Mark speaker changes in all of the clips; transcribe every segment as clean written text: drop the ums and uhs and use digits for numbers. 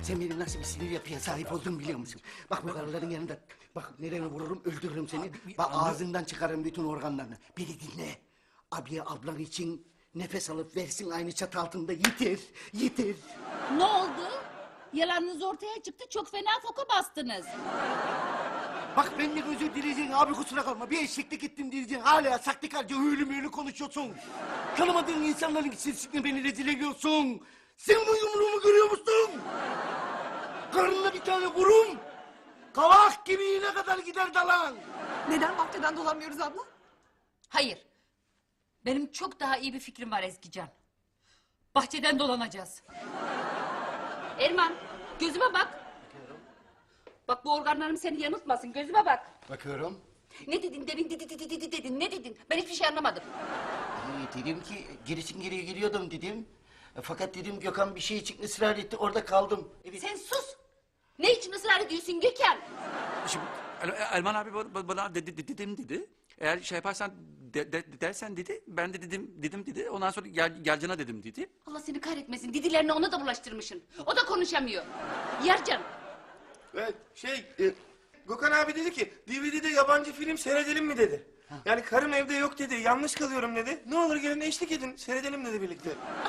Speaker 1: Sen benim nasıl bir sinir yapıya sahip olduğumu biliyor musun? Bak bu karıların yanında, bak nereye vururum öldürürüm seni. Bak ağzından çıkarırım bütün organlarını. Beni dinle. Abiye ablan için nefes alıp versin aynı çatı altında yeter, yeter.
Speaker 2: Ne oldu? Yalanınız ortaya çıktı, çok fena foka bastınız.
Speaker 1: Bak benden özür dileyeceksin abi kusura kalma. Bir eşeklik ettim diyeceksin. Hala sahtekarca hüylü konuşuyorsun. Tanımadığın insanların içerisinde beni rezil ediyorsun. Sen bu yumruğumu görüyor musun? Karnına bir tane vurum. Kavak gibi iğne kadar gider dalan.
Speaker 3: Neden bahçeden dolanmıyoruz abla?
Speaker 2: Hayır. Benim çok daha iyi bir fikrim var Ezgican. Bahçeden dolanacağız. Erman, gözüme bak. Bak bu organlarım seni yanıltmasın, gözüme bak.
Speaker 1: Bakıyorum.
Speaker 2: Ne dedin demin, dedin, ne dedin? Ben hiçbir şey anlamadım.
Speaker 1: Dedim ki gerisin geriye geliyordum dedim. Fakat dedim Gökhan bir şey için ısrar etti orada kaldım. Evet.
Speaker 2: Sen sus! Ne için ısrar ediyorsun Gökhan?
Speaker 4: Şimdi Erman abi bana dedim dedi. Eğer şey yaparsan dersen dedi. Ben de dedim dedi. Ondan sonra gelcana dedim dedi.
Speaker 2: Allah seni kahretmesin, didilerini ona da bulaştırmışsın. O da konuşamıyor. Yercan,
Speaker 5: Evet, Gökhan abi dedi ki DVD'de yabancı film seyredelim mi dedi. Yani karım evde yok dedi, yalnız kalıyorum dedi. Ne olur gelin eşlik edin, seyredelim dedi birlikte.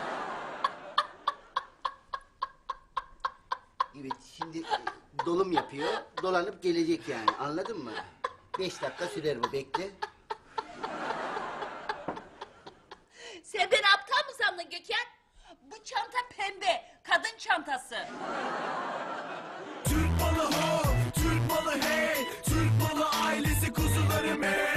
Speaker 1: Evet şimdi dolum yapıyor. Dolanıp gelecek yani anladın mı? 5 dakika sürer bu bekle.
Speaker 2: sen beni aptal mı sandın Gökhan? Bu çanta pembe, kadın çantası.
Speaker 6: Türk malı ho, Türk malı hey, Türk malı ailesi kuzularım hey.